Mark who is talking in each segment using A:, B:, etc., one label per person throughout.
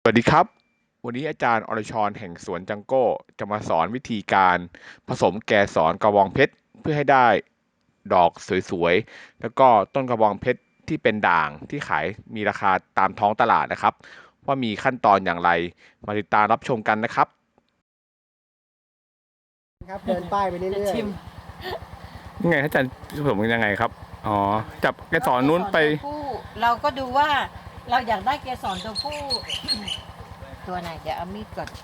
A: สวัสดีครับวันนี้อาจารย์อรชรแห่งสวนจังโก้จะมาสอนวิธีการผสมแกสรกระบองเพชรเพื่อให้ได้ดอกสวยๆแล้วก็ต้นกระบองเพชรที่เป็นด่างที่ขายมีราคาตามท้องตลาดนะครับว่ามีขั้นตอนอย่างไรมาติดตามรับชมกันนะครับ
B: ครับเดินป้ายไป
C: จะ
B: เรื่อย
C: ชิม
A: ยังไงอาจารย์ผสมยังไงครับอ๋อจับแกสรนู้นไป
C: ตัวผู้เราก็ดูว่าเราอยากได้เกสรตัวผู้ ตัวไหนเดี๋ยวเอามีดก่อน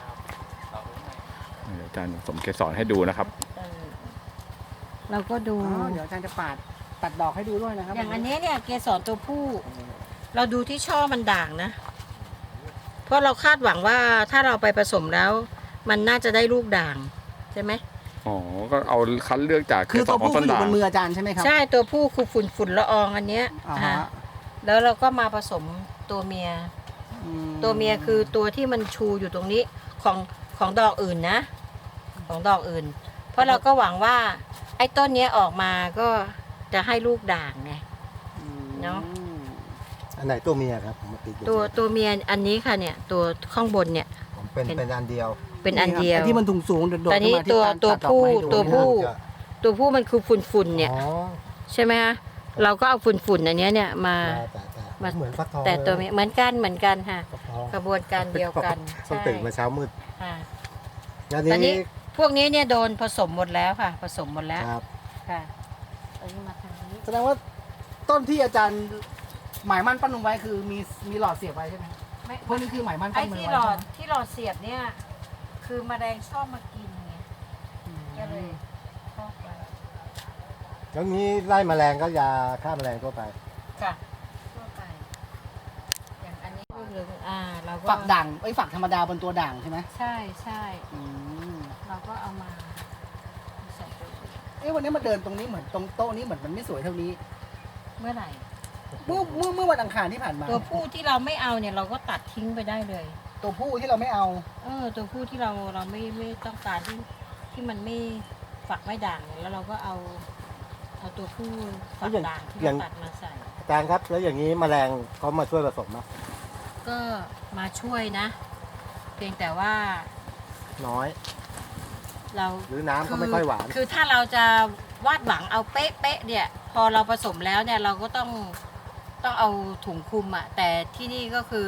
A: อาจารย์ผสมแกสรให้ดูนะครับ
C: เออเราก็ดู
B: ๆอ๋อเดี๋ยวอาจารย์จะตัดดอกให้ดูด้วยนะครับ
C: อย่างอันนี้เนี่ยเกสรตัวผู้ เราดูที่ช่อมันด่างนะ เพราะเราคาดหวังว่าถ้าเราไปผสมแล้ว มันน่าจะได้ลูกด่างใช่ไหม
A: อ๋อก็เอาคัดเลือกจากแก
B: คือ
A: ส
B: ตัว
A: รของ
B: ผู้
A: ต้น
B: อยู่
A: ด่า
B: บ
A: ง
B: นมืออาจารย์ใช่ไหมครับ
C: ใช่ตัวผู้คือฝุ่นละอองอันเนี้ย
B: อ่า
C: อ่า
B: ฮะ
C: แล้วเราก็มาผสมตัวเมีย
B: อื
C: ตัวเมียคือตัวที่มันชูอยู่ตรงนี้ของดอกอื่นนะ ของดอกอื่น เพราะเราก็หวังว่า ไอ้ต้นเนี้ยออกมาก็จะให้ลูกด่างไง เนอะ
D: อันไหนตัวเมียครับผมมาติดอยู่
C: ตัวเมียอันนี้ค่ะเนี่ย ตัวข้างบนเนี่ย
D: ผมเป็นอันเดียว
C: เป็นอันเดียว
B: ไอ้ที่มันสูงๆโดดๆ
C: แต่นี่
B: ขึ้นมาที่
C: ตัว
B: ตัดดอก
C: ผู้
B: ไม้ดู
C: ตัวผู้
D: จะ
C: ตัวผู้มันคือฝุ่นเนี่ย
D: อ๋อ
C: ใช่ไหมคะเราก็เอาฝุ่นอันเนี้ยเนี่ยมา
D: แต่เหมือนฟักทอง
C: แต่ตัวเมียเหมือนกันค่ะ
D: ฟักทอง
C: กระบวนการเดียวกัน
D: ต้องตื่นมาเช้ามืด
C: ค่ะ
D: แล้ว
C: ตอนนี้
D: นี้
C: พวกนี้เนี่ยโดนผสมหมดแล้วค่ะ ผสมหมดแล้ว
D: ครับ
C: ค่ะเอานี้มาทางนี้
B: แสดงว่าต้นที่อาจารย์หมายมั่นปั้นลงไว้คือมีหลอดเสียบไว้ใช่ไหม
C: ไม่
B: พวกนี้คือหมายมั่น
C: ไอ้
B: ปั้นมือ
C: ที่
B: ไว้
C: หลอด
B: ใช่ไหม
C: ที่หลอดเสียบเนี่ย คือแมลงชอบมากินไงก็เลยชอบไป
D: แล้วนี้ไล่แมลงก็ยาฆ่าแมลงทั่วไป
C: ค่ะทั่วไปอย่างอันนี้ลูกเหลืองเราก็
B: ฝักด่างไอ้ยฝักธรรมดาบนตัวด่างใช่ไหม
C: ใช่ใช่
B: อืม
C: เราก็เอามาใส่ตัวอื่น
B: เอ้ยวันนี้มาเดินตรงนี้เหมือนตรงโต๊ะนี้เหมือนมันไม่สวยเท่านี้
C: เมื่อไหร่
B: เมื่อวันอังคารที่ผ่านมา
C: ตัวผู้ที่เราไม่เอาเนี่ยเราก็ตัดทิ้งไปได้เลย
B: ตัวผู้ที่เราไม่เอา
C: ตัวผู้ที่เราไม่ต้องการที่มันไม่ฝักไม่ด่างเนี่ยแล้วเราก็เอาตัวผู้ฝักด่างที่เราตัดมาใส่
D: อาจารย์ครับ แล้วอย่างนี้แมลงเขามาช่วยผสมไหม
C: ก็มาช่วยนะ เพียงแต่ว่า
D: น้อย
C: เรา
D: หรือน้ำก็ไม่ค่อยหวาน
C: คือถ้าเราจะวาดหวังเอาเป๊ะๆเนี่ย พอเราผสมแล้วเนี่ยเราก็ต้องเอาถุงคลุมอะแต่ที่นี่ก็คือ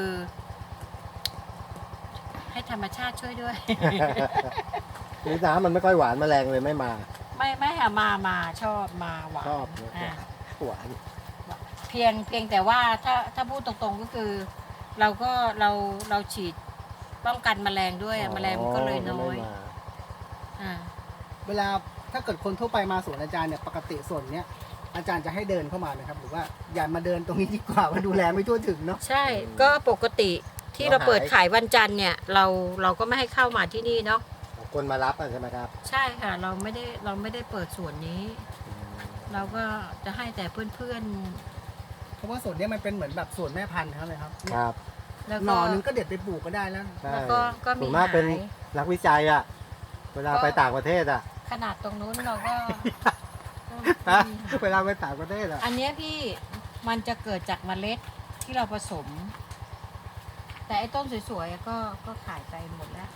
C: ให้ธรรมชาติช่วยด้วย
D: หรือน้ำมันไม่ค่อยหวานแมลงเลยไม่มา
C: ไม่ค่ะมาชอบมาหวาน
D: ชอบ
C: อ่า
D: หวาน
C: เพียงแต่ว่าถ้าพูดตรงๆก็คือ เราฉีดป้องกันแมลงด้วยอะแมลงมันก็เลยน้อย
D: ไม่มา
C: อ่า
B: เวลาถ้าเกิดคนทั่วไปมาสวนอาจารย์เนี่ยปกติส่วนเนี้ยอาจารย์จะให้เดินเข้ามานะครับหรือว่าอย่ามาเดินตรงนี้ดีกว่ามันดูแลไม่ทั่วถึงเนาะ
C: ใช่ก็ปกติที่เราเปิดขายวันจันทร์เนี่ยเราก็ไม่ให้เข้ามาที่นี่เนาะ
D: คนมารับอะใช่ไหมครับ
C: ใช่ค่ะเราไม่ได้เปิดส่วนนี้ เราก็จะให้แต่เพื่อน
B: เพราะว่าส่วนเนี้ยมันเป็นเหมือนแบบส่วนแม่พันธุ์เขาเลยครับ
D: ครับ
C: ๆแล้ว
B: หน่
C: ก็
B: อนึงก็เด็ดไปปลูกก็ได้แล้ว
D: ใช่
C: แล้วก็มี
D: ส่วนมากเป็น
C: หาย
D: นักวิจัยอะเวลาไปต่างประเทศอะ
C: ขนาดตรงนู้นเราก็
D: ฮะเวลาไปต่างประเทศอะ
C: อันเนี้ยพี่มันจะเกิดจากเมล็ดที่เราผสม แต่ไอ้ต้นสวยๆก็ขายไปหมดแล้ว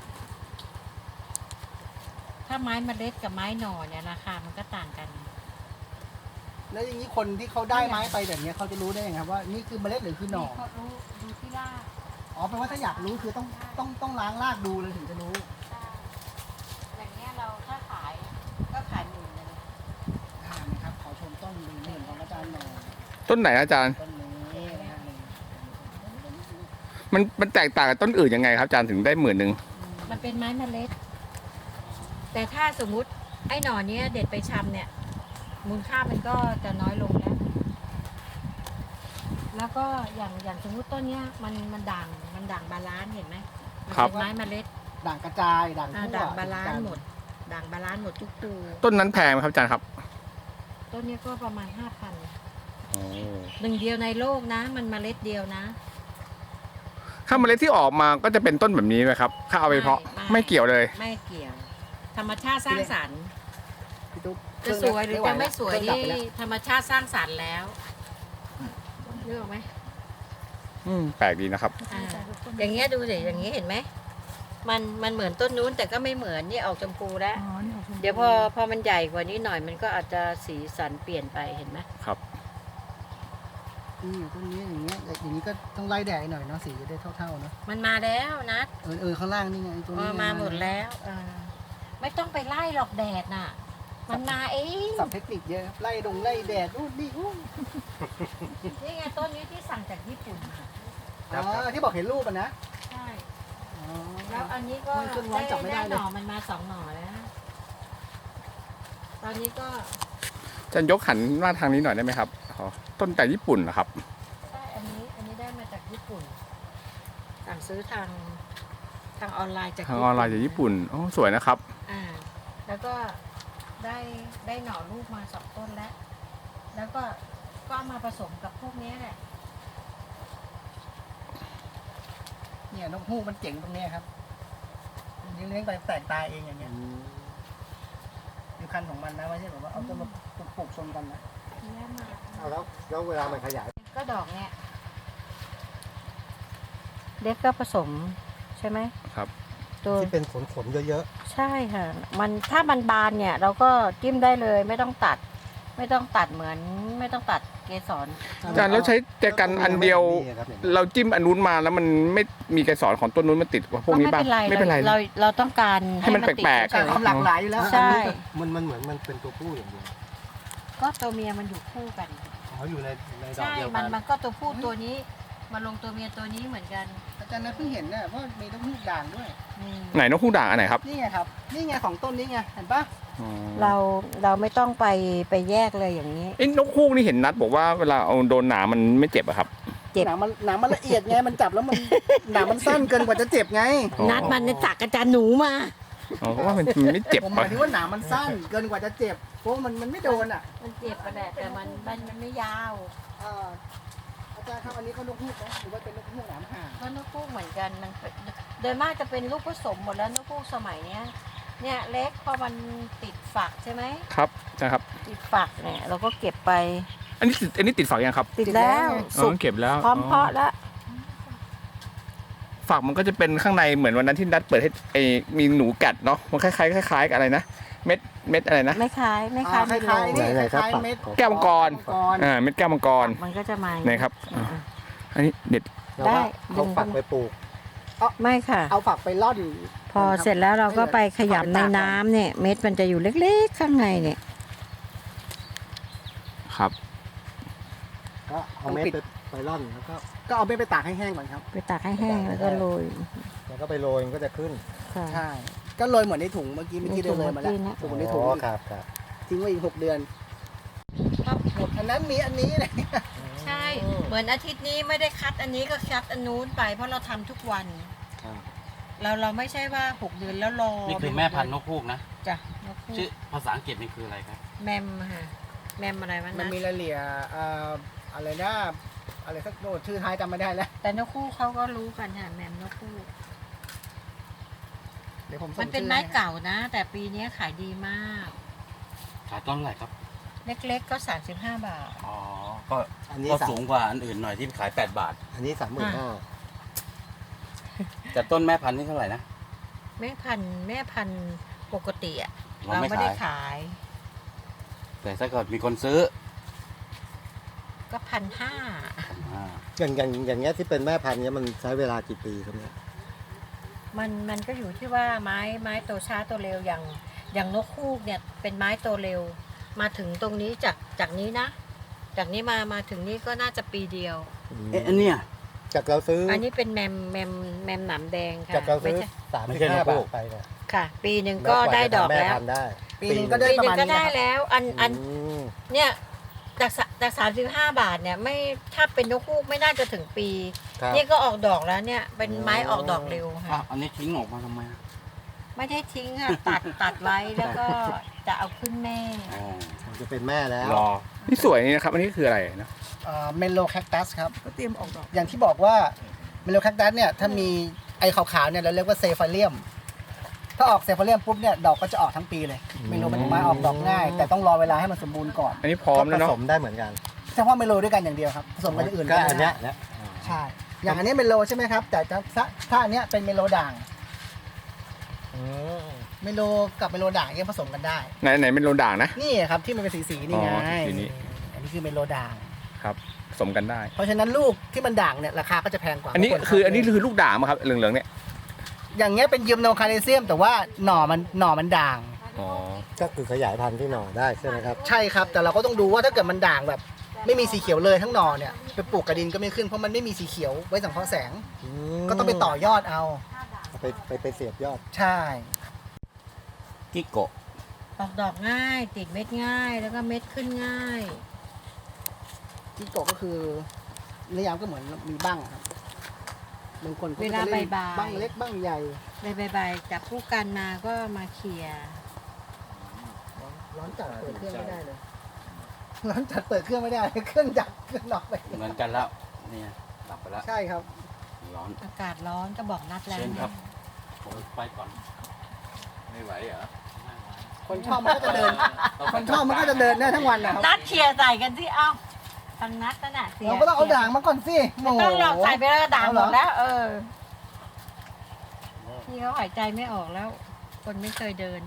C: ถ้าไม้เมล็ดกับไม้หน่อเนี่ยราคามันก็ต่างกัน
B: แล้วอย่างนี้คนที่เขาได้ไม้ไปแบบเนี้ยเขาจะรู้ได้ยังไงครับว่านี่คือเมล็ดหรือคือหน่อ
C: เขารู้ดูที่ราก
B: อ๋อแปลว่าถ้าอยากรู้คือต้องล้างรากดูเลยถึงจะรู้
C: ใช่อย่างเงี้ยเราถ้าขายก็ขายหมื่นเลย
B: นะครับขอชมต้นหนึ่งของอาจารย์หน่อย
A: ต้นไหนอาจารย์
B: ต้นนี้นะครับ
A: มันแตกต่างกับต้นอื่นยังไงครับอาจารย์ถึงได้10,000
C: มันเป็นไม้เมล็ด แต่ถ้าสมมุติไอ้หน่อเนี้ยเด็ดไปชำเนี่ย มูลค่ามันก็จะน้อยลงแล้ว แล้วก็อย่างสมมุติต้นเนี้ยมันด่างบาลานซ์เห็นไหมมัน
A: ครับ
C: เป็นไม้เมล็ด
B: ด่างกระจายด่างทั่ว
C: ด่างบาลานซ์หมด ด่างบาลานซ์หมดทุกตัว
A: ต้นนั้นแพงไหมครับอาจารย์ครับ
C: ต้นเนี้ยก็ประมาณ 5,000
A: อ๋อ
C: หนึ่งเดียวในโลกนะ มันเมล็ดเดียวนะ
A: ถ้าเมล็ดที่ออกมาก็จะเป็นต้นแบบนี้ไหมครับ ถ้าเอาไปเพาะ ไม่เกี่ยวเลย
C: ไม่เกี่ยว ธรรมชาติสร้างสรรค์
B: พี่ตุ๊ก
C: จะสวยหรือจะไม่สวย
B: เครื่องดับ
C: นี่
B: ไปแล้ว
C: ธรรมชาติสร้างสรรค์แล้วเลือกไหม
A: แปลกดีนะครับ
C: อ่าอย่างเงี้ยดูสิอย่างเงี้ยเห็นไหมมันเหมือนต้นนู้นแต่ก็ไม่เหมือนนี่ออกชมพูแล้ว เดี๋ยวพอมันใหญ่กว่านี้หน่อยมันก็อาจจะสีสันเปลี่ยนไปเห็นไหม
A: ครับ
B: ต้นนี้อย่างเงี้ยอย่างนี้ก็ต้องไล่แดดหน่อยเนาะสีจะได้เท่าๆเนาะ
C: มันมาแล้วนะ
B: ข้างล่างนี่ไงตัวนี้
C: มาหมดแล้วไม่ต้องไปไล่หรอกแดดน่ะ มันมาเอง
B: สับเทคนิคเยอะไล่ไล่แดดนู่นนี่
C: นี่ไงต้นนี้ที่สั่งจากญี่ปุ่นมา
B: ที่บอกเห็นรูปอ่ะนะ
C: ใช่แล้วอันนี้ก็
B: มันขึ้นร้อนจับไม่ได้เลย
C: หน่อมันมา2 หน่อแล้ว ตอนนี้ก็
A: อาจารย์ยกหันมาทางนี้หน่อยได้ไหมครับอ๋อต้นจากญี่ปุ่นเหรอครับ
C: ใช่อันนี้ได้มาจากญี่ปุ่นสั่งซื้อทางออนไลน์จาก
A: ทางออนไลน์จากญี่ปุ่นโอ้สวยนะครับ
C: แล้วก็ได้หน่อลูกมา2 ต้นแล้ว แล้วก็เอามาผสมกับพวกนี้แหละ
B: เนี่ยนกฮูกมันเจ๋งตรงเนี้ยครับเลี้ยงไปแตกตายเองอย่างเงี้ยอยู่คันของมันนะไม่ใช่แบบว่าเอาต้นมาปลูกชนกันนะ
D: เอาแล้วเวลามันขยาย
C: ก็ดอกเนี่ยเล็กก็ผสมใช่ไหม
A: ครับ
C: ตัว
D: ที่เป็นขนเยอะ
C: ใช่ค่ะ ถ้ามันบานเนี่ย เราก็จิ้มได้เลยไม่ต้องตัดเหมือนไม่ต้องตัดเกสร
A: อาจารย์เราใช้แจกันอันเดียว เราจิ้มอันนู้นมาแล้วมันไม่มีเกสรของต้นนู้นมาติดกับพวกนี้บ้าง
C: ไม่เป็นไรเราต้องการ
A: ให้มัน
C: ติด
A: แปลกๆ
C: เฉย
B: ความหลากหลายอยู่แล้ว
C: ใช่
D: มันเหมือนมันเป็นตัวผู้อย่างเดียว
C: ก็ตัวเมียมันอยู่คู่กัน
D: อยู่ในดอก
C: ใช่
D: เดียว
C: มั
D: กัน
C: มันก็ตัวผู้ตัวนี้มาลงตัวเมียตัวนี้เหมือนกัน
B: อาจารย์นะเพิ่งเห็นเนี่ยว่ามีนกฮูกด่างด้วย
A: ไหนนกฮูกด่างอันไหนครับ
B: นี่ไงครับนี่ไงของต้นนี้ไงเห็นปะ
A: อ๋อ
C: เราไม่ต้องไปแยกเลยอย่างนี้
A: ไอ้นกฮูกนี่เห็นนัดบอกว่าเวลาเอาโดนหนามมันไม่เจ็บอะครับ
C: เจ็บ
B: หนังมันละเอียดไงมันจับแล้วมันหนังมันสั้นเกินกว่าจะเจ็บไง
A: อ๋อ
C: นัดมันจากอาจารย์หนูมา
A: อ๋อเพราะว่ามันไม่เจ็บ
B: ผมห
A: อะ
B: มายถึงว่าหนังมันสั้นเกินกว่าจะเจ็บเพราะมันไม่โดนอ่ะ
C: มันเจ็บไปแหละแต่มันไม่ยาว
B: อาจารย์ครับอันนี้เขานกฮูกไหมหรือว่าเป็นนกฮูกหนามห่าง
C: ก็นกฮูกเหมือนกันมันโดยมากจะเป็นลูกผสมหมดแล้วนกฮูกสมัยเนี้ยเนี่ยเล็กพอมันติดฝักใช่ไหม
A: ครับนะครับ
C: ติดฝักเนี่ยเราก็เก็บไป
A: อันนี้ติดฝักยังครับ
C: ติดแล้ว
A: อ๋
C: สุ
A: อก เก็บแล้ว
C: พร้อมเพาะแล้ว
A: ฝักมันก็จะเป็นข้างในเหมือนวันนั้นที่นัดเปิดให้มีหนูกัดเนาะมันคล้ายๆคล้ายๆกับอะไรนะเม็ดอะไรนะ
C: ไม่คล้าย
B: คล้าย
C: ไม่
B: คล้าย
C: โล
B: นี่คล้ายเม็ด
A: แก้วมังกร เม็ดแก้วมังกร
C: มันก็จะมา
A: ไหนครับอ่าอันนี้เด็ด
D: แล้วก็เอาฝักไปปลูก
C: ไม่ค่ะ
B: เอาฝักไปล่อน
C: พอเสร็จแล้วเราก็ไปขยำในน้ำเนี่ย เม็ดมันจะอยู่เล็กๆข้างในเนี่ย
A: ครับ
D: ก็เอาเม็ดไปร่อนแล้วก็
B: ก็เอาเม็ดไปตากให้แห้งก่อนครับ
C: ไปตากให้แห้งแล้วก็โรย
D: แล้วก็ไปโรยมันก็จะขึ้น
C: ค่ะ
B: ใช่ก็โรยเหมือนในถุงเมื่อกี้เดินเลยมาแล้ว
C: ในถุงเมื่อกี้นะ
B: ถุงในถุง
D: อ๋อครับ
B: ทิ้งไว้อีก6 เดือนอันนั้นมีอันนี้เลย
C: ใช่ เหมือนอาทิตย์นี้ไม่ได้คัดอันนี้ก็คัดอันนู้นไป เพราะเราทำทุกวัน
D: ครับ
C: เราไม่ใช่ว่า6 เดือนแล้วรอ
E: นี่คือแม่พันธุ์นกฮูกนะ
C: จ้ะนกฮู
E: ชื่อก ภาษาอังกฤษนี่คืออะไรครับ
C: แมมค่ะแมมอะไรวะ
B: มัน
C: นะ
B: มีรายละเอียดอะไรนะอะไรสักโน้ตชื่อท้ายจำไม่ได้แล้ว
C: แต่นกฮูกเขาก็รู้กันค่ะแมมนกฮูก
B: เดี๋ยวผมส่ง
C: มันเป็น
B: ชื่อ
C: ไม้
B: ให้
C: เก่านะ แต่ปีนี้ขายดีมาก
E: ขายต้นเท่าไหร่ครับ
C: เล็กๆก็35 บาท
E: อ๋อ ก็
D: อันนี้
E: ก็สูงกว่าอันอื่นหน่อยที่ขาย8 บาท
D: อันนี้35,000
E: แต่ต้นแม่พันธุ์นี่เท่าไหร่นะ
C: แม่พันธุ์ปกติอะ
E: เรา
C: เรา
E: ไม่
C: ไม่ได้
E: ขาย
C: ขาย
E: แต่ถ้าเกิดมีคนซื้อ
C: ก็1,500
E: อ่า
D: อย่างเงี้ยที่เป็นแม่พันธุ์เนี้ยมันใช้เวลากี่ปีครับเนี่ย
C: มันก็อยู่ที่ว่าไม้โตช้าโตเร็วอย่างนกฮูกเนี่ยเป็นไม้โตเร็ว มาถึงตรงนี้จากนี้นะ จากนี้มาถึงนี้ก็น่าจะปีเดียว
E: เอ๊ะอันเนี้ย
D: จากเราซื้อ
C: อันนี้เป็นแมมหนามแดงค่ะ
D: จากเราซื้อ
E: ไม่ใช่นกฮู
D: 35 บาก ทไปเนี่ย
C: ค่ะ ปีหนึ่งก็ได้ดอก
D: ม่
C: แล้ว
D: พันธุ์ได้
B: ปีนึงก็ได้
C: ปี
B: ประ
C: หนึ่
B: มาง ณ
C: ก็
B: นี้
C: ได้
B: นะครับ
C: แล้วอัน
D: ม
C: เนี่ยจาก35 บาทเนี่ยไม่ถ้าเป็นนกฮูกไม่น่าจะถึงปี
D: ครับ
C: นี่ก็ออกดอกแล้วเนี่ย เป็นไม้ออกดอกเร็ว
E: อ้า
C: ค่ะ
E: วอันนี้ทิ้งออกมาทำไมอ่ะ
C: ไม่ได้ทิ้งค่ะ ตัดไว้แล้วก็จะเอาขึ้นแม่
E: อ๋อ
D: มันจะเป็นแม่แล้ว
E: รอ
A: นี่สวยนี่นะครับ อันนี้คืออะไรนะ
B: เมโลแคคตัสครับ
F: ก็เตรียมออกดอก
B: อย่างที่บอกว่าเมโลแคคตัสเนี่ยถ้ามีไอ้ขาวๆเนี่ยเราเรียกว่าเซฟาเลียมถ้าออกเซฟาเลียมปุ๊บเนี่ยดอกก็จะออกทั้งปีเลยเมโลเป็นไม้ออกดอกง่าย แต่ต้องรอเวลาให้มันสมบูรณ์ก่อน
A: อันนี้พร้อมแล้ว
D: ผ
A: เนาะ
D: สมได้เหมือนกัน
B: เฉพาะเมโลด้วยกันอย่างเดียวครับผสมกันอย่างอื่น
D: ก็
B: ไม่ได้
D: อันเนี้ย
B: ใช่อย่างอันนี้เมโลใช่ไหมครับ แต่ถ้าอันเนี้ยเป็นเมโลด่างเมโลกับเมโลด่างเนี่ยผสมกันได้
A: ไหนเป็นโลด่างนะ
B: นี่ครับที่มันเป็นสีนี่ไง
A: อ๋อสีนี้
B: อันนี้คือเมโลด่าง
A: ครับผสมกันได้
B: เพราะฉะนั้นลูกที่มันด่างเนี่ยราคาก็จะแพงกว่า
A: อันนี้
B: บาง
A: คือลูกด่างมาครับเหลืองๆเนี่ย
B: อย่างเงี้ยเป็นยิมโนคาเลเซียม แต่ว่าหน่อมันด่าง
A: อ๋อ
D: ก็คือขยายพันธุ์ที่หน่อได้ใช่ไหมครับ
B: ใช่ครับ แต่เราก็ต้องดูว่าถ้าเกิดมันด่างแบบ ไม่มีสีเขียวเลยทั้งหน่อเนี่ยไปปลูกกระดินก็ไม่ขึ้นเพราะมันไม่มีสีเขียวไว้สังเคราะห์แสง ก็ต้องไปต่อยอดเอา
D: เอาไปเสียบยอด
B: ใช่
E: กิโกะ
C: ออกดอกง่าย ติดเม็ดง่าย แล้วก็เม็ดขึ้นง่าย
B: จิโกะก็คือนิยามก็เหมือนมีบ้างครับบางคนเขาก็จะ
C: เวลา
B: เล่น
C: บ่ายๆ
B: บ้างเล็กบ้างใหญ่
C: ใบๆจับคู่กันมาก็มาเขี่ย
B: ร้อนจัดเปิดเครื่องไม่ได้เลย ร้อนจัดเปิดเครื่องไม่ได้ เครื่องดับเครื่องน็อกไป
E: เหมือนกันแล้วเนี่ยดับไปแล้ว
B: ใช่ครับ
E: ร้อน
C: อากาศร้อนก็บอกนัดแล้ว
E: เชิญครับผมไปก่อน
A: ไม่ไหวเหรอ
B: คนชอบมันก็จะเดิน คนชอบมันก็จะเดินได้ทั้งวันนะครับ
C: นัดเขี่ยใส่กันสิเอ้าทางนัดนั่นน่ะเสีย
B: เราก็ต้องเอาด่างมาก่อนสิ
C: ไม่ต้องหรอก
B: โโ
C: ใส่ไปแล้วก็ด่าง
B: เอา
C: ห
B: เหร
C: ม
B: อ
C: ดแล้ว พี่เขาหายใจไม่ออกแล้ว คนไม่เคยเดิน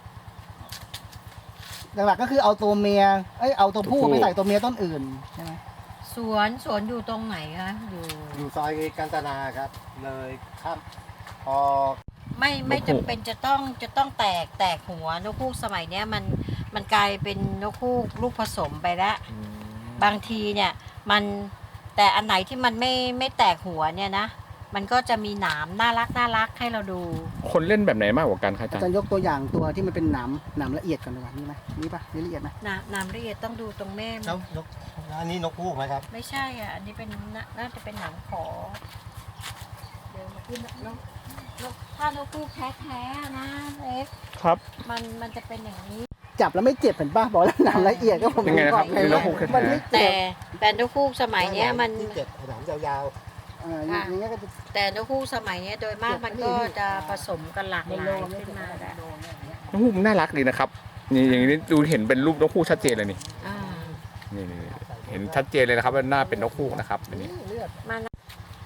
B: หลักๆก็คือเอาตัวเมียเอาตัวผู้
A: ตัวผู้
B: ไปใส่ตัวเมียต้นอื่นใช่ไหม
C: สวนอยู่ตรงไหนคะอยู่
D: อยู่ซอยกาญจนาครับ เลยข้ามพอ
C: ไม่จำเป็นจะต้องแตกหัวนกฮูกสมัยเนี้ยมันกลายเป็นนกฮูกลูกผสมไปแล้ว บางทีเนี่ยมันแต่อันไหนที่มันไม่แตกหัวเนี่ยนะ มันก็จะมีหนามน่ารักให้เราดู
A: คนเล่นแบบไหนมากกว่ากันครับอา
B: อา
A: จาร
B: จาร
A: ย์
B: ย์ยกตัวอย่างตัวที่มันเป็นหนามละเอียดก่อนดีกว่านี่ไหมนี่ปะนี่ละเอียดไหม
C: หนามละเอียดต้องดูตรงแม่มัน
D: แล้วนกอันนี้นกฮูกไหมครับ
C: ไม่ใช่อ่ะ อันนี้เป็นน่าจะเป็นหนามขอ เดี๋ยวมาขึ้นถ้านกฮูกแท้ๆนะเล็ก
A: ครับ
C: มันจะเป็นอย่างนี้
B: จับแล้วไม่เจ็บเห็นป่ะบอกแล้วหนามละเอียดก็ผม
A: ยังไงนะครับ
B: อกเลย
A: นกฮูกแท้ๆ
B: มันไม่เจ็
C: แต่
B: บ
C: นกฮูกสมัยเนี้ยมัน
D: ที่เจ็บหนามยาว
B: อย่างเงี้ยก็จะ
C: แต่นกฮูกสมัยเนี้ยโดยมากมันก็จะผสมกันหลากหลายขึ้นมาแล้ว
A: นกฮูกมันน่ารักดีนะครับนี่อย่างนี้ดูเห็นเป็นรูปนกฮูกชัดเจนเลยนี่
C: อ่า
A: นี่เห็นชัดเจนเลยนะครับว่าหน้าเป็นนกฮูกนะครับอันนี้
B: เลือด
C: มานะ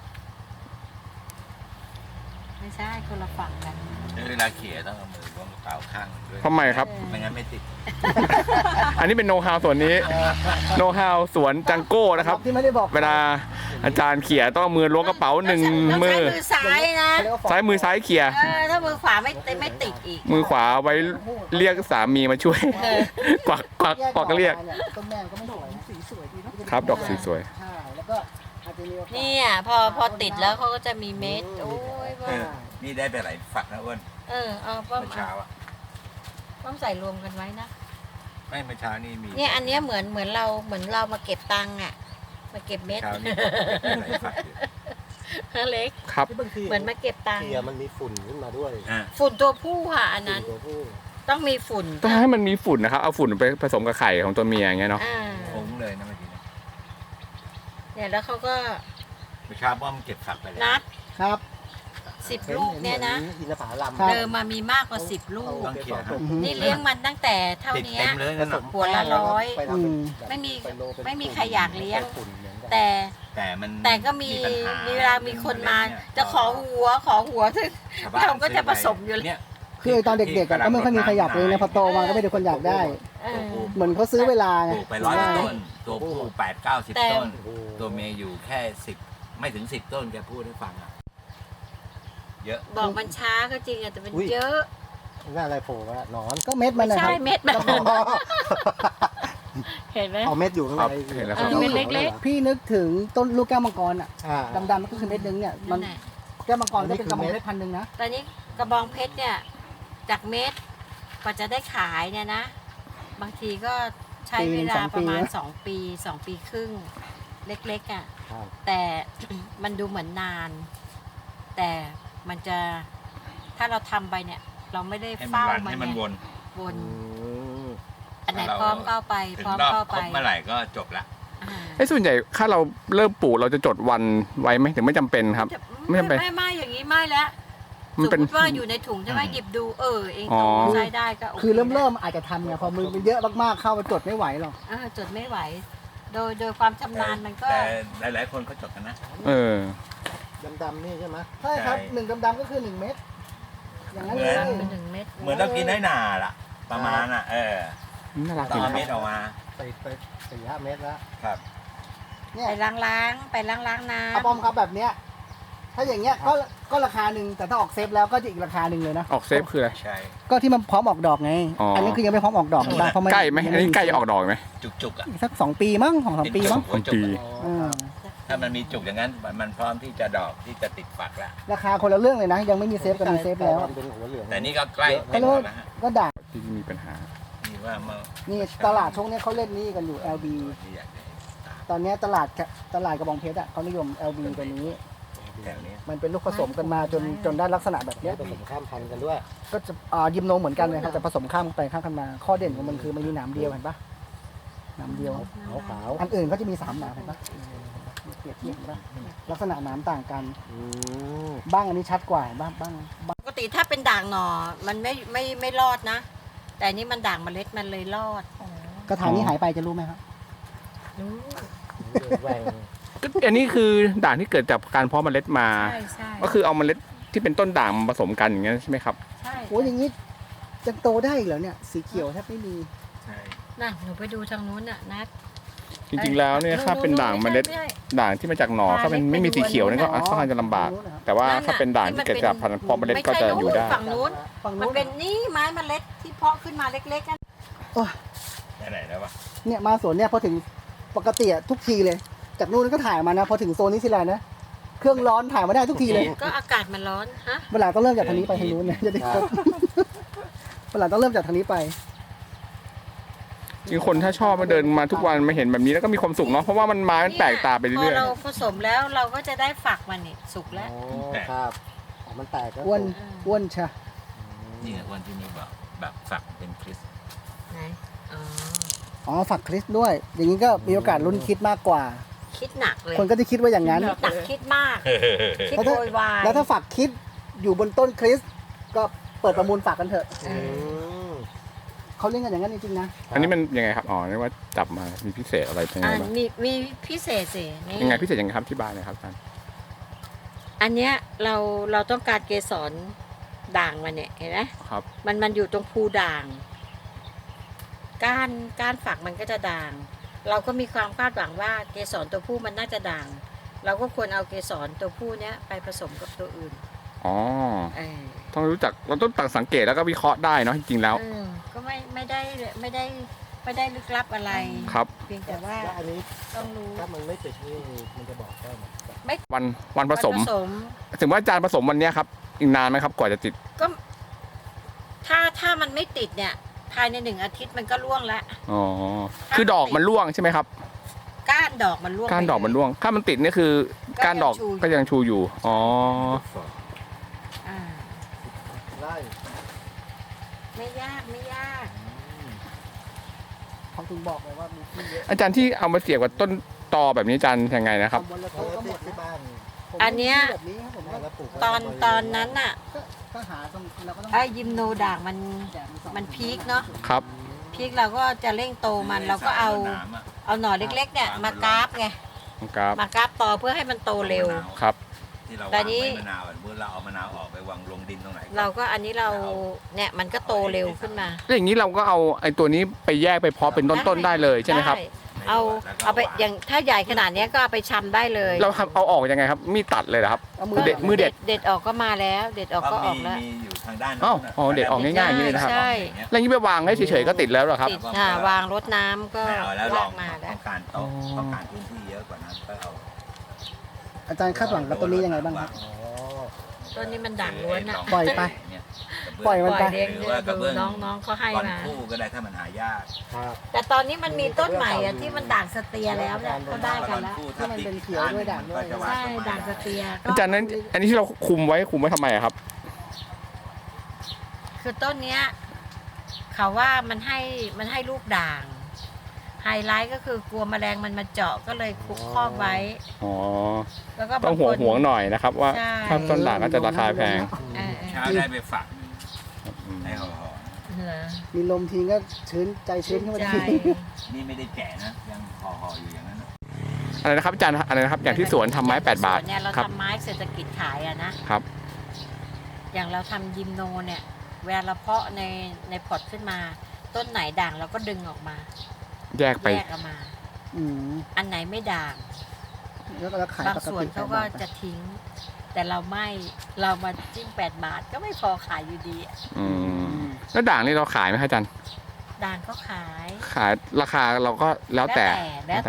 C: ไม่ใช่คนละฝั่งกัน
F: เวลาเขี่ยต้องเอามือล้วงกระเป๋าข้างด้วย
A: ทำไมครับ
F: ไม่งั้นไม่ติด
A: อันนี้เป็นโนฮาวส่วนนี้โนฮาวสวนจังโก้นะครับ
B: ที่ไม่ได้บอก
A: เวลาอาจารย์เขี่ยต้องเอามือล้วงกระเป๋าหนึ่ง
C: ต้อง
A: มื
C: ใช้
A: อ
C: มือซ้ายนะ
B: เรียกว่า
A: ซ้ายมือซ้ายเขี่ย
C: ถ้ามือขวาไม่ติดอีก
A: มือขวาไว้เรียกสามีมาช่วย กวักเรียก
B: ต้นแม่ก็ไม่สวยสีสวยดีเนาะ
A: ครับดอกสีสวย
B: ใช่แล้วก็อาจจะมีโอกาส
C: เนี่ยพอติดแล้วเขาก็จะมีเม็ด โอ้ยว่า
F: นี่ได้ไปหลายฝักนะอ้วน
C: เอาป้อม
F: เมื่อเช้าอ่ะ
C: ป้อมใส่รวมกันไว้นะ
F: ไม่เมื่อเช้านี่มี
C: เนี่ยอันเนี้ยเหมือนเรามาเก็บตังค์อ่ะ มาเก็บเม็ด
F: เช้านี่หลายฝักอยู่
C: เล็ก
A: ครับ
D: ที่บางที
C: เหมือนมาเก็บตังค์
D: เกียร์มันมีฝุ่นขึ้นมาด้วย
F: อ่ะ
C: ฝุ่นตัวผู้ค่ะ อันนั้น
D: ฝุ่ตัวผู้
C: ต้องมีฝุ่น
A: ต้องให้มันมีฝุ่นนะครับ เอาฝุ่นไปผสมกับไข่ของตัวเมียอย่างเงี้ยเนาะ
C: อ่า
F: ฟุ้งเลยนะเมื่อกี้นะ
C: เนี่ยแล้วเขาก็
F: เมื่อเช้าป้อมเก็บฝักไปแล้ว
C: นัด
B: ครับ
C: 10 ลูกเนี่ยนะ
D: อินทผลัม
B: ครับ
C: เดิมมามีมากกว่า10 ลูก
F: ต้องเขี่ย
B: อือฮึ
C: นี่เลี้ยงมันตั้งแต่เท่า
F: ติด
C: นี้
F: เต็มเลยนั่นน่ะ
C: หัวละร้อย
D: ไปทำเป็น
C: ไม่มี
D: เป็นโลเป็น
C: ไม่มีใครอยากเลี้ยง
D: ฝุ่นเหมือนกัน
C: แต่
F: แต่ก็มี
C: มี
F: ปัญห
C: เวลามีคนมา จะขอหัวถึง
F: ชาวบ้น
C: เราก็จะผสมอยู่เลย
F: เนี่ย
B: คือตอนเด็กๆอะก็ไม่ค่อยมีใครอยากเลยนะพอโตมาก็ไม่ได้คนอยากได้
C: เออ
B: เหมือนเขาซื้อเวลา
F: ป
B: ไง
F: ลูกไป100
C: ใช่
F: ต้น ตัวผู้8-90
C: แต่
F: ต้น
D: โอ้โห
F: ตัวเมียอยู่แค่10ไม่ถึง10 ต้นแกพูดให้ฟังอ่ะ เยอะ
C: บอกมันช้าก็จริงอะแต่มัน
D: อุ๊ย
C: เยอะ
D: หน้าอะไรโผล่มาหนอน
B: ก็เม็ดมัน
C: ไม่
B: นะค
C: ใช่
B: รับ
C: เม็ดมัน
D: อ๋อ
C: เห็นไหม
D: เอาเม็ดอยู่ข้างใน
A: ครับเห็นแล้วครับ
C: เม็ดเล็ก
B: พี่นึกถึงต้นลูกแก้วมังกรอ่ะ
D: อ่า
B: ดำๆมันก็คือเม็ดนึงเนี่ยมั
C: นั่
B: น
C: นแหละ
B: แก้วมังกรก็เป็นกระบอกเพชรพันหนึ่งนะ
C: ตอนนี้กระบองเพชรเนี่ย จากเม็ดกว่าจะได้ขายเนี่ยนะ บางทีก็ใช้เวลาประมาณ2 ปี 2 ปีครึ่ง เล็กๆอ่ะ
D: ครับ
C: แต่ มันดูเหมือนนาน แต่มันจะถ้าเราทำไปเนี่ย เราไม่ได้
F: ให้มัน
C: เฝ้า
F: รัน
C: มัน
F: ให้มัน
C: ไง
F: วน
C: วน
D: ม
C: อันไหน
F: เรา
C: พร้อมก็เอาไป
F: ถึ
C: พ
F: ง
C: ร้อม
F: รอบ
C: ก็เอา
F: ค
C: ไป
F: รบเมื่อไหร่ก็จบละ
C: อ่า
A: ไอ้ส่วนใหญ่ถ้าเราเริ่มปลูกเราจะจดวันไว้ไหมถึงไม่จำเป็นครับ
C: จะ
A: ไม่จำเป็น
C: ไม่อย่างนี้ไม่แล้ว
A: มัน
C: สม
A: เป็น
C: มติว่าอยู่ในถุงใช่ไหมหยิบดูเอง
A: อ๋อ
C: โตใช้ได้ก็โอเค
B: คือเริ่มอาจจะทำไงพอมือมันเยอะมากๆเข้ามาจดไม่ไหวหรอก
C: จดไม่ไหว โดยความชำนาญมันก็
F: แต่หลายๆคนเขาจดกันนะ
A: เออ
D: ดำๆนี่ใช่ไหม
B: ใช่ครับ
F: ใช่
B: หนึ่งดำๆก็คือ1 เม็ดอย่างนั้น
F: เหมื
B: เล
F: อน
B: ย
C: เป็น1 เม็ด
F: เหมือนเรากินน้อยหนาล่ะ ประมาณน่ะ
A: น่ารัก
F: ต่
A: ดี
F: อ
A: นะค
F: เม็ด
A: รับ
F: ออกมา
D: ไป4-5 เมตรแล้ว
F: ครับ
B: เนี่ย
C: ไปล้างน้
B: อาปอมครับแบบเนี้ยถ้าอย่างเงี้ยก็ราคาหนึ่งแต่ถ้าออกเซฟแล้วก็จะอีกราคาหนึ่งเลยนะ
A: ออกเซฟคืออะไร
F: ใช่
B: ก็ที่มันพร้อมออกดอกไง
A: อ๋ออั
B: อันนี้คือยังไม่พร้อมออกดอกบ้างเพราะมัน
A: ใกล้ไหมอันนี้ใกล้จะออกดอกไหม
F: จุกๆอ่ะ
B: อีกสัก2 ปีมั้ง2-3 ปีมั้ง
F: หัวจุก
A: ปี
F: อะ
B: อืม
F: ถ้ามันมีจุกอย่างนั้น มันพร้อมที่จะดอกที่จะติดฝักแล้ว
B: ราคาคนละเรื่องเลยนะ ยังไม่มีเซฟกับมีเซฟแล้ว
D: เป็นหัวเหลือง
F: แต่นี่ก็ใกล้
B: ก็
F: เต็ม
B: เล
F: หม
B: ย
F: ดแล้วฮะ
B: ก็ด่าง
A: ที่มีปัญหา
F: นี่ว่าเมื่อ
B: นี่ตลาดช่วงเนี้ยเขาเล่นนี่กันอยู่ LB
F: ที่อยากจะ
B: ตอนเนี้ยตลาดกระบองเพชรอ่ะเขานิยม LB ตัวนี้
F: แถวนี้
B: มันเป็นลูกผสมกันมาจนได้ลักษณะแบบเนี้ย
D: ผสมข้ามพันธุ์กันด้วย
B: ก็จะยิมโนเหมือนกันเลยครับแต่ผสมข้ามไปข้ามกันมา ข้อเด่นของมันคือมันมีหนามเดียวเห็นปะหนามเดียว
D: ขาว
B: อันอื่นก็จะมี3 หนามเห็นปะเปรียบเทียบเห็นปะลักษณะหนามต่างกัน
D: ๆอืม
B: บ้างอันนี้ชัดกว่าบ้าง
C: ำปกติถ้าเป็นด่างหน่อมันไม่รอดนะ แต่อันนี่มันด่างเมล็ดมันเลยรอด
B: กระถางนี้หายไปจะรู้ไหมครับ
C: รู้
D: แหว่ง
A: อันนี้คือด่างที่เกิดจากการเพาะเมล็ดมา
C: ใช่
A: ก็คือเอาเมล็ดที่เป็นต้นด่างมาผสมกันอย่างเงี้ยใช่ไหมครับ
C: ใช่
B: โอ้ยอย่างนี้จะโตได้อีกเหรอเนี่ยสีเขียวแทบไม่มี
F: ใช่
C: น่ะหนูไปดูทางนู้นน่ะนัด
A: จริงๆแล้วเนี่ยถ้าเป็นด่างเมล็ด
C: ไใช่
A: ด่างที่มาจากหน่อถ้าเป็นไม่มีสีเขียวนี่ก็
B: อ๋อ
A: ค่อนข้างจะลำบาก
B: ฝั่งนู้นนะครับ
A: แต่ว่า
C: นั่นน่ะ
A: ถ้าเป็นด่างที่เกิดจากพันธุ์เพาะเมล็ดก็จะอยู่ได้
C: ฝั่งนู้น
B: ฝั่ง
C: มัน
B: นู้น
C: เป็นนี่ไม้เมล็ดที่เพาะขึ้นมาเล็กๆกัน
F: ไหนแล้ววะ
B: เนี่ยมาสวนเนี่ยพอถึงปกติอะทุกทีเลย จากนู้นก็ถ่ายมานะพอถึงโซนนี้สิแลนด์นะเครื่องร้อนถ่ายมาได้ทุกทีเลย
C: ก็อากาศมันร้อนฮะ
B: เวลาต้องเริ่มจากทางนี้ไปทางนู้นเนี่ยจะได้ครบเวลาต้องเริ่มจากทางนี้ไป
A: จริงคนถ้าชอบมาเดินมาทุกวันมาเห็นแบบนี้แล้วก็มีความสุขเนาะเพราะว่ามันไม้มันแปลกตาไป
C: พ
A: เรื่
C: อ
A: อย
C: เราผสมแล้วเราก็จะได้ฝักมันนี่สุก
D: โอ้
C: แล้ว
D: ครับอ๋อมันแตกก็
B: อ้วนชะ
F: นี่วันที่นี่บอกแบบฝักเป็นคริส
C: ไหนอ๋อ
B: อ๋อฝักคริสด้วย อย่างนี้ก็มีโอกาสลุ้นคิดมากกว่า
C: คิดหนักเลย
B: คนก็จะคิดว่าอย่างนั้น
C: คิดหนักคิดมาก คิด
B: แล้วถ้า
C: โวยวาย
B: แล้วถ้าฝักคิดอยู่บนต้นคริสก็เปิดประมูลฝักกันเถอะ
C: เอ
D: อื
C: อ
D: ม
B: เขาเล่นกันอย่างนั้นจริงๆนะ
A: ๆ อันนี้มันยังไงครับอ๋อเรียกว่าจับมามีพิเศษอะไรยังไง
C: อ่า
A: บ้าง
C: มีพิเศษสินี่
A: ยังไงพิเศษยังไงครับที่บ้านเลยครับอาจารย์
C: อันเนี้ยเราต้องการเกสรด่างมันเนี่ยเห็นไหม
A: ครับ
C: มันอยู่ตรงภูด่าง ก้านฝักมันก็จะด่าง เราก็มีความคาดหวังว่าเกสรตัวผู้มันน่าจะด่าง เราก็ควรเอาเกสรตัวผู้เนี้ยไปผสมกับตัวอื่น
A: อ๋อ
C: เออ
A: ต้องรู้จักเราต้องตักสังเกตแล้วก็วิเคราะห์ได้เนาะจริงๆแล้ว
C: เออก็ไม่ได้ลึกลับอะไร
A: ครับ
C: เพียงแต่ว่า
D: แล้วอันนี้
C: ต้องรู้
D: ถ้ามันไม่ติดนี่มันจะบอกได้ไหม
A: วันผสม ถึงว่าอาจารย์ผสมวันเนี้ยครับอีกนานไหมครับกว่าจะติด
C: ก็ถ้ามันไม่ติดเนี่ย ภายใน1 อาทิตย์มันก็ร่วงแล้ว
A: อ๋อคือดอกมันร่วงใช่ไหมครับ
C: ก้านดอกมันร่วง
A: ก้านดอกมันร่วง ถ้ามันติดเนี่ยคือก้านดอกก็ยังชูอยู่อ๋อ
C: อ่า
D: ไล่
C: ไม่ยาก
B: เขาถึงบอกเลยว่ามีที่เยอะ
A: อาจารย์ที่เอามาเสียบกับต้นตอแบบนี้อาจารย์ยังไงนะครับ
B: ตำบลละ
D: เขา
B: ต้นก็หมด
D: ที่
B: นะ
D: บ้าน
B: ผม
C: อันเนี้ย
B: มีที่แบบนี้ครับผม
D: แล้วปลูก
C: ตอนนั้นน่ะ
B: ก็หาตรงเราก็ต้อง
C: ไอ้ยิมโนด่างมัน
B: แดดส่อง
C: มันพีคเนาะ
A: ครับ
C: พีคเราก็จะเร่งโตมันเราก็เอาหน่อเล็กๆเนี่ยมากราฟไง
A: ครับ
C: มากราฟต่อเพื่อให้มันโตเร็ว
A: ครับ
F: ที่เรา
C: แต่
F: วาง
C: นี้
F: ไว้มะนาวอ่ะเมื่อเราเอามะนาวออกไปวางลงดินตรงไหน
C: เราก็อันนี้เราเนี่ยมันก็โตเร็วขึ้นมา
A: แล้วอย่างนี้เราก็เอาไอ้ตัวนี้ไปแยกไปเพาะเป็นต้นๆได้เลยใช่ไหมครับ
C: ด้เอาไปอย่างถ้าใหญ่ขนาดเนี้ยก็เอาไปชำได้เลย
A: เราทำเอาออกยังไงครับมีดตัดเลยเหรอครับ
B: เอามื
A: เด็ดมือเด็ด
C: เด็ดออกก็มาแล้ว เด็ดออกก็ออกแล้ว
F: มีอยู่ทางด้าน
A: อ้าว
F: ะ
A: อ๋อเด็ดออกง่ายๆอย่างนี้เลยนะครับ
C: ใช่
A: แล้วอย่างนี้ไปวางให้เฉยๆก็ติดแล้วเหรอครับ
C: ติดวางรดน้ำก็
F: ไม่เอาแล้วล
C: ลา
F: อง
C: กมาแล้
F: ต้
C: ว
F: องการโต๊ะ
A: อ๋อ
F: ต้องการพื้นที่เยอะกว่านั้นก็เอา
B: อาจารย์คาดหวังกับต้นนี้ยังไงบ้างครับ
D: อ๋อ
C: ต้นนี้มันด่างล้วนอ่ะ
B: ปล่อยไป
F: เนี่ย
B: ปล่อยมันไป
C: เด็กดูน้องเขาให้
F: ก้อน
C: มา
F: คู่ก็ได้ถ้ามันหายาก
D: ครับ
C: แต่ตอนนี้มันมีต้นใหม่อ่ะที่มันด่างสเตียแล้วเนี่ยก็ได้กันแล้ว
B: ที่มันเป็นเขียวด้วยด่างด้วย
C: ใช่ด่างสเตียก็
A: อาจารย์นั้นอันนี้ที่เราคุมไว้ทำไมอะครับ
C: คือต้นเนี้ยเขาว่ามันให้ลูกด่าง ไฮไลท์ก็คือกลัวแมลงมันมาเจาะก็เลยคุกครอบไว้
A: อ๋อ
C: แล้วก็
A: ต้อง
C: บาคน
A: ห่วงหน่อยนะครับ ว่า
C: ใช่
A: ถ้าต้นด่างก็จะราคาแพง
C: เออ
F: เช้าได้ไปฝัก
A: อืม
F: ให้ห่อ
C: เหรอ
B: มีลมทีก็ชื้นใจชื้นขึ้นมา
C: ใจ
B: ที
F: ๆนี่ไม่ได้แก่นะยังห่อๆอยู่อย่างนั้นนะ
A: อะไรนะครับอาจารย์อะไรนะครับอย่างที่สวนทำไม้8 บาท
C: เนี่ยเรา
A: ครับ
C: ทำไม้เศรษฐกิจขายอะนะครับ อย่างเราทำยิมโนเนี่ยเวลาเราเพาะในพอร์ตขึ้นมา ต้นไหนด่างเราก็ดึงออกมา
A: แยกไป
C: แยกออกมา
B: อืม
C: อันไหนไม่ด่าง
B: แล้วก็ขาย
C: บาง
B: ปก
C: ส่วน
B: ติ
C: เขาก็จะทิ้ง แต่เราไม่เรามาจิ้ม8 บาทก็ไม่พอขายอยู่ดีอะ
A: อืมแล้วด่างนี่เราขายไหมครับอาจารย์
C: ด่างก็ขาย
A: ขายราคาเราก็แล้วแต่
C: แล้ว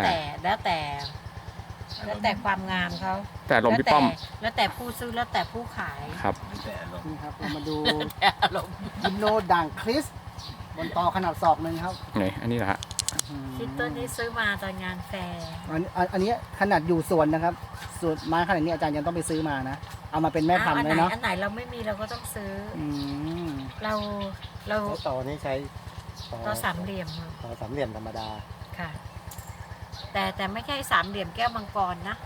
C: แต่ความงามเขา
A: แต่ลมพี่ป้อม
C: แล้วแต่ผู้ซื้อแล้วแต่ผู้ขาย
A: ครับ
F: แต่ลง
B: นี่ครับเรามาดู
C: แต่อารมณ์
B: ยิมโนด่างคริสบนตอขนาดศอกหนึ่งครับ
A: ไหนอันนี้นะฮะ
C: คิดต้นนี้ซื้อมาตอนงานแฟร์
B: อันนี้ขนาดอยู่สวนนะครับสวนไม้ขนาดนี้อาจารย์ยังต้องไปซื้อมานะ เอามาเป็นแม่พันธุ์
C: อั
B: เลยเนาะ
C: อันไหนเราไม่มีเราก็ต้องซื้อ
B: อืม
C: เรา
D: แล้วต่อนี้ใช้
C: เราสามเหลี่ยมอะ
D: ต่อสามเหลี่ยมธรรมดา
C: ค่ะ แต่ไม่ใช่สามเหลี่ยมแก้วมังกรนะ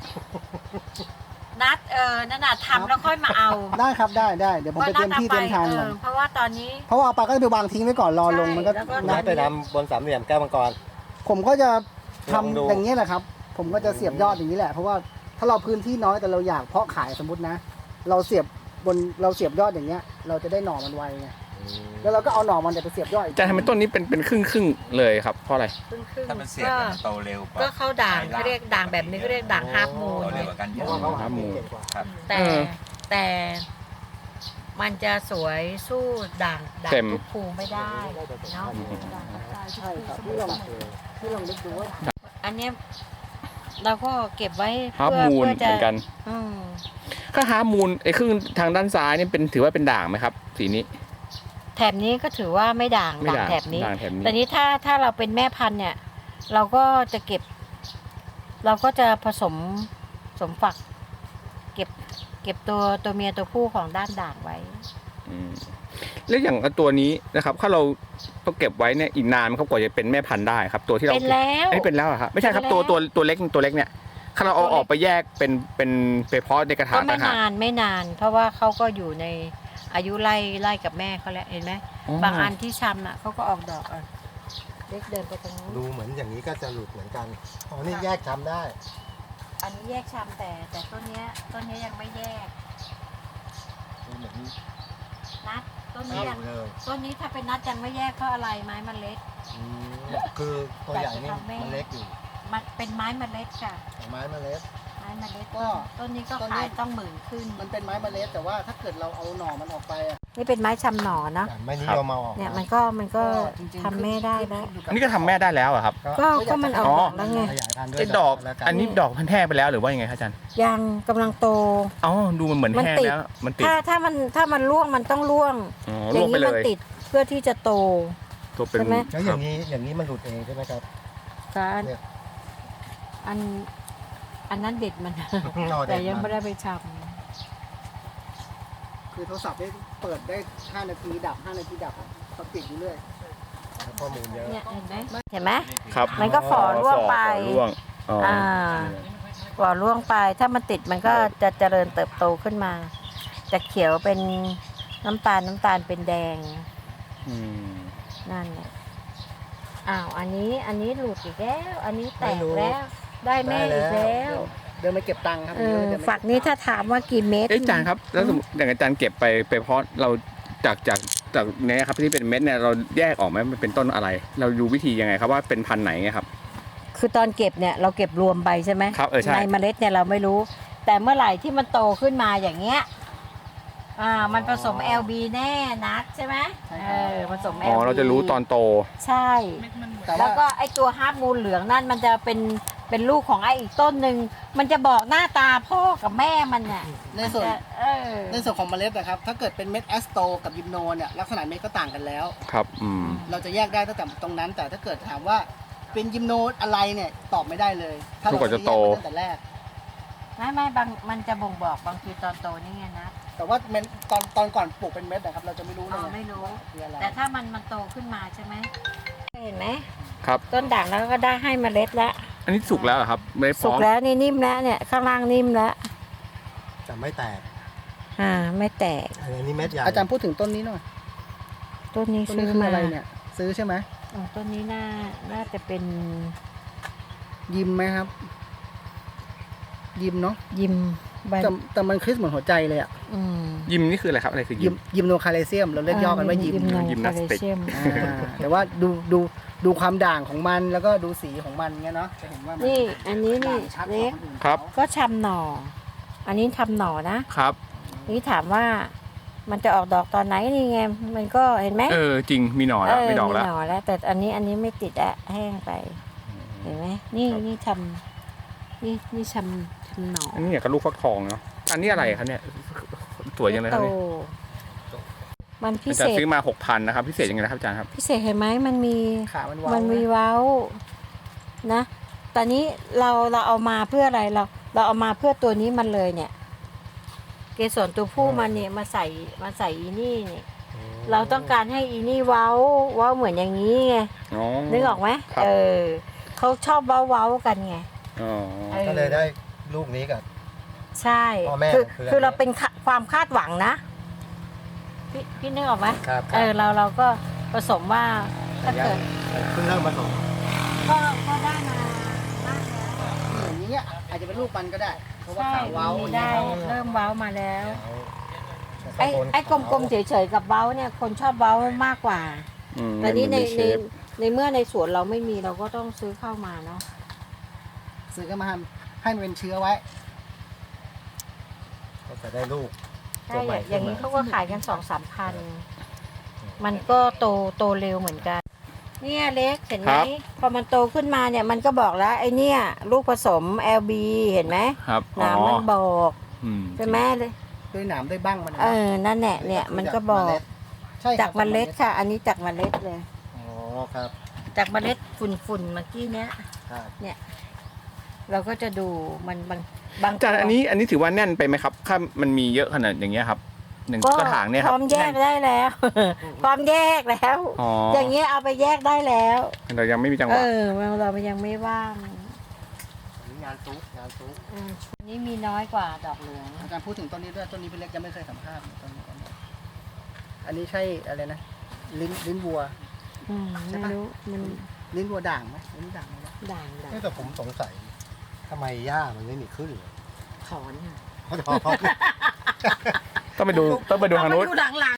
C: นัดนั่นน่ะทำแล้วค่อยมาเอา
B: ได้ครับได้เดี๋ยวผมไปเตรียมที่เตรียมทางก่อน
C: เพราะว่าตอนนี้
B: เพราะว่าเอาไปก็จะไปวางทิ้งไว้ก่อนรอลงมันก็
C: ใช่แล้วก็
D: ไม้ไปดำบนสามเหลี่ยมแก้วมังกร
B: ผมก็จะ
D: ลองดู
B: ทำอย่างนี้ยแหละครับ ผมก็จะเสียบยอดอย่างนี้แหละ เพราะว่าถ้าเราพื้นที่น้อยแต่เราอยากเพาะขายสมมตินะ เราเสียบยอดอย่างเงี้ย เราจะได้หน่อมันไวไงแล้วเราก็เอาหน่อมันเนี่ยไปเสียบยอดอีก
A: อาจารย์ทำไมต้นนี้เป็นครึ่งเลยครับเพราะอะไร
C: ครึ่ง
F: ถ้ามันเสียบ
C: ก็
F: มันโตเร็วกว่า
C: ก็เข้าด่างเขาเรียกด่างแบบนี้เขาเรียกด่างฮาร์ฟมูน
F: โตเร็วกว่ากันเย
D: เพ
F: อะ
D: ราะว่าเขา
A: ครั
D: หา
A: บหมู
D: เก่งกว่า
F: ครับ
C: แต่
A: เออ
C: แต่มันจะสวยสู้ด่าง
A: เต็ม
C: ทุกภูไม่ได้เนาะ
B: ใช่ครับที่ลองนึกดูว่า
C: อันเนี้ยเราก็เก็บไว้
A: ฮาร์ปมูน
C: เพื่อ
A: เห
C: จะ
A: มือนกัน
C: อืม
A: ก็ฮาร์ปมูนไอ้ครึ่งทางด้านซ้ายนี่ถือว่าเป็นด่างไหมครับ สีนี้
C: แถบนี้ก็ถือว่าไม่ด่าง
A: ไม่
C: ด่าง
A: ด่าง
C: แถบนี้
A: ด่างแถบนี้
C: แต่นี้ถ้าเราเป็นแม่พันธุ์เนี่ย เราก็จะเก็บ เราก็จะผสมฝัก เก็บตัวเมียตัวผู้ของด้านด่างไว้
A: อืมแล้วอย่างตัวนี้นะครับถ้าเราต้องเก็บไว้เนี่ยอีกนานไหมครับกว่าจะเป็นแม่พันธุ์ได้ครับ ตัวที่เรา
C: เป็นแล้ว
A: เอ้ยเป็นแล้วเหรอครับไม่ใช่ครับ
C: เป็นแล้ว
A: ตัวเล็กเนี่ยถ้าเราเอาออกไปแยกเป็นไปเพาะในกระถา
C: ก็
A: ง
C: ไม่
A: ต่างหาก
C: นานไม่นาน เพราะว่าเขาก็อยู่ในอายุไล่กับแม่เขาแล้วเห็นไหมบางอันที่ชำน่ะเขาก็ออกดอกอ่ะเล็กเดินไปตรงนู้น
D: ดูเหมือนอย่างนี้ก็จะหลุดเหมือนกันอ๋อนี่แยกทำได้
C: อันนี้แยกชำแต่ต้นเนี้ยยังไม่แยก
D: ดูเหมือน
C: นัดต้น
D: เท่
C: นี้ยัง
D: เลย
C: ต้นนี้ถ้าเป็นนัดยังไม่แยกเพราะอะไรไม้มันเล็ก
D: อืมคือตัวใหญ่นี่มันเล็กอยู่
C: มันเป็นไม้เมล็ดค่ะ
D: แต่ไม้มันเล็ก
C: ไม้เมล็ด
B: ก็
C: ต้นนี้ก็
B: ต้นนี้
C: ขายต้อง10,000ขึ้น
B: มันเป็นไม้เมล็ดแต่ว่าถ้าเกิดเราเอาหน่อมันออกไปอะ
C: นี่เป็นไม้ชำหน่อเนาะ
D: แต่ไม่นิยมเอาออก
C: เนี่ยมันก็
B: จริงๆ
C: ทำแม่ได้แล้ว
A: อันนี้ก็ทำแม่ได้แล้วเหรอครับ
C: ก็มันออกดอกแล้วไง
D: ขยายพันธุ์ด้วย
A: ไอ้ดอก
D: แล้วกั
A: อันนี้ดอกพันแห้งไปแล้วหรือว่ายังไงครับอาจารย์
C: ยังกำลังโต
A: อ๋อดูมันเหมือน
C: มัน
A: แห้ง
C: ติด
A: แล้วมันติด
C: ถ้ามันร่วงมันต้องร่วง
A: อ๋อ
C: อ
A: ล
C: ย่าง ง
A: ไป
C: นี้
A: เล
C: มัน
A: ย
C: ติดเพื่อที่จะโต
A: ตัวเป็น
C: ใช่ไหม
D: แล้วอย่างนี้มันหลุดเองใช่ไหมครับ
C: การ
D: เนี่ย
C: อันนั้นเด็ดมัน
D: นอเด็
C: แต่
D: ด
C: ยังไม่
D: มัน
C: ได้ไปช
B: คือโทรศัพท์ได้เปิดได้5 นาทีดับ5 นาทีดับเขาปิดอยู่เรื่อย
D: ข้อมูลเยอะ
C: ำเนี่ยเห็นไหมเห็นไหม
A: ครับ
C: มันก็ฝ่อร่วงไป
A: ฝ่อร่วงอ๋ออ
C: ก่อร่วงไปถ้ามันติดมันก็จะเจริญเติบโตขึ้นมาจะเขียวเป็นน้ำตาลเป็นแดง
A: อืม
C: นั่นแหละอ้าวอันนี้หลุดอีกแล้ว อันนี้แต
D: ไม่
C: ก
D: รู้
C: แล้ว ได้แม่อีกแล้ว
B: เดินไปเก็บตังค์ครับ
C: เออ
B: เดิไปเบ
C: ฝักนี้ถ้าถามว่ากี่เม็ด
A: เอ๊ะอาจารย์ครับแล้วสมมุติอย่างอาจารย์เก็บไปเพาะเราจากเนี้ยครับที่เป็นเม็ดเนี่ยเราแยกออกไหมมันเป็นต้นอะไร เราดูวิธียังไงครับว่าเป็นพันธุ์ไหนไงครับ
C: คือตอนเก็บเนี่ยเราเก็บรวมไปใช่ไหม
A: ครับใช่
C: ในเมล็ดเนี่ยเราไม่รู้ แต่เมื่อไหร่ที่มันโตขึ้นมาอย่างเงี้ยมันผสม LB แน่นัดใช่ไหมผสม LB
A: อ๋อเราจะรู้ตอนโต
C: ใช่
B: แต่
C: แล้ว
B: ว่า
C: ก็ไอตัวฮาร์ปมูนเหลืองนั่นมันจะเป็นลูกของไออีกต้นหนึ่งมันจะบอกหน้าตาพ่อกับแม่มันน่ะ
B: ในส่วน
C: อ
B: ในส่วนของเมล็ดนะครับ ถ้าเกิดเป็นเม็ดแอสโตกับยิมโนเนี่ยลักษณะเม็ดก็ต่างกันแล้ว
A: ครับ
B: เราจะแยกได้ตั้งแต่ตรงนั้น แต่ถ้าเกิดถามว่าเป็นยิมโนอะไรเนี่ยตอบไม่ได้เลย ถ้าเรา
A: จนกว่าจะโต
B: ไม่ได้แยกตั้งแต่แรก
C: ไม่บางมันจะบ่งบอกบางทีตอนโตนี่ไงนะ
B: แต่ว่าเม็ดตอนก่อนปลูกเป็นเม็ดนะครับเราจะไม่รู้เลย
C: ไม่รู้
B: คืออะไร
C: แต่ถ้ามันโตขึ้นมาใช่ไหมเห็นไหม
A: ครับ
C: ต้นด่างแล้วก็ได้ให้เมล็ดแล้ว
A: อันนี้สุกแล้วเหรอครับไม่ได้
C: สุ
A: ฟ้
C: ก
A: อง
C: แล้วนี่นิ่มแล้วเนี่ยข้างล่างนิ่มแล้ว
D: แต่ไม่แตก
C: ไม่แตก
D: อันนี้เม็ดใหญ่
B: อาจารย์พูดถึงต้นนี้หน่อย
C: ต้นนี้
B: ต้น
C: ซื้
B: นี้
C: อ
B: คือ
C: มา
B: อะไรเนี่ย ซื้อใช่ไหม
C: ต้นนี้น่าจะเป็น
B: ยิมไหมครับยิมเนาะ
C: ยิมใบ
B: แต่มันคริสเหมือนหัวใจเลยอ่ะ
C: อืม
A: ยิมนี่คืออะไรครับอะไรคือยิม
B: ยิมโนคาเลเซียมเราเรียกย่อกันว่ายิม
C: โน
A: ยิมนาสติก
C: คาเลเซียม
B: แต่ว่าดูความด่างของมันแล้วก็ดูสีของมันเงี้ยเนาะจะเห็นว่ามัน
C: นี่อันนี้นี่
B: ด่างชัดก
C: เล็
B: ว่าก คนอื่น
A: ครับ
B: เขา
C: ก็ชำหน่อ อันนี้ทำหน่อนะครับ นี่ถามว่ามันจะออกดอกตอนไหนนี่ไงมันก็เห็นไหม
A: จริงมีหน่อแล้วมีดอกแล้ว
C: มีหน่อแล้ว แต่อันนี้ไม่ติดอะแห้งไป เห็นไหมนี่ทำนี่ทำหน่อ
A: อันนี้เนี่ยก็ลูกฟักทองเนาะอันนี้อะไรครับเนี่ยสวยยังไงครับเนี่ย
C: มันพิ
A: อา
C: เศ
A: จารย์
C: ษ
A: ซื้อมา 6,000นะครับพิเศษยังไงนะครับอาจารย์ครับ
C: พิเศษเห็นไหมมันมี
B: ขามันว้าว
C: มันมีเว้านะตอนนี้เราเอามาเพื่ออะไรเราเอามาเพื่อตัวนี้มันเลยเนี่ย เกสรตัวผู้มันเนี่ยมาใส่อีนี่เนี่ยเราต้องการให้อีนี่เว้าเหมือนอย่างนี้ไง
A: อ๋อ
C: นึกออกไหม
A: ครับ
C: เขาชอบเว้ากันไง
A: อ๋อ
D: ก็เลยได้ลูกนี้กับ
C: ใช่
D: พ่อแม่
C: คือเราเป็นความคาดหวังนะพี่นึกออกไหม
D: ครับ
C: เราก็ผสมว่าถ้าเกิด
D: เพิ่งเริ่มผสม
C: ก็ได้มาบ้างแล้ว
B: อย่างเงี้ยอาจจะเป็นลูกมันก็ได้ เพราะว่า
C: ใช่
B: ขาเว้า
C: มี
B: อย่าง
C: ได้
B: เงี้ย
C: เริ่มเว้ามาแล้ว
D: แล้ว
C: ไอ้กลมๆเฉยๆกับเว้าเนี่ยคนชอบเว้ามากกว่า แต่นี่ในเมื่อในสวนเราไม่มีเราก็ต้องซื้อเข้ามาเนาะ
B: ซื้อก็มาให้มันเป็นเชื้อไว้
D: ก็จะได้ลูก
C: ใช่
D: ตัวใหม่
C: อย่างนี้
D: ขึ้นมา
C: เขาก็ขายกัน2-3 พันมันก็โตเร็วเหมือนกัน เนี่ยเล็กเห็นไหมพอมันโตขึ้นมาเนี่ยมันก็บอกแล้วไอ้เนี่ยลูกผสม LB เห็นไหม
A: ครับ
C: หนามมันบอก
A: อืม
C: ใช่ไหมเลย
B: ด้วยหนามด้วยบ้างมัน
C: นั่นแหละเนี่ยมันก็บอก
B: ใช่ครับ
C: จากเมล็ดค่ะ อันนี้จากเมล็ดเลย
D: อ๋อครับ
C: จากเมล็ดฝุ่นเมื่อกี้เนี้ย
D: ครับ
C: เราก็จะดูมันบาง
A: อาจารย์อันนี้ถือว่าแน่นไปไหมครับถ้ามันมีเยอะขนาดอย่างเงี้ยครับหนึ่งกระถางเนี่ยค
C: พ
A: รับ
C: ร้อมแยกได้แล้ว พร้อมแยกแล้ว
A: อ๋อ
C: อ
A: อย่าง
C: เงี้ยเอาไปแยกได้แล้ว
A: เรายังไม่มีจังหวะ
C: เรายังไม่ว่าง
D: อันนี้งานซุกงานซุก
C: อันนี้มีน้อยกว่าดอกเหลือง
B: อาจารย์พูดถึงต้นนี้ด้วยต้นนี้พี่เล็กยังไม่เคยสัมภาษณ์ต้นนี้อันนี้ใช่อะไรนะลิ้นวัว
C: ไม่รู้มัน
B: ลิ้นวัวด่างไหมลิ้นด่างไหม
C: ด่าง
D: แต่ผมสงสัยทำไมหญ้ามันไม่มีขึ้นเลย
C: ถอนค่ะ
D: เขาจะบอก
A: ต้องไปดูทางนู้น
C: ดูหลัง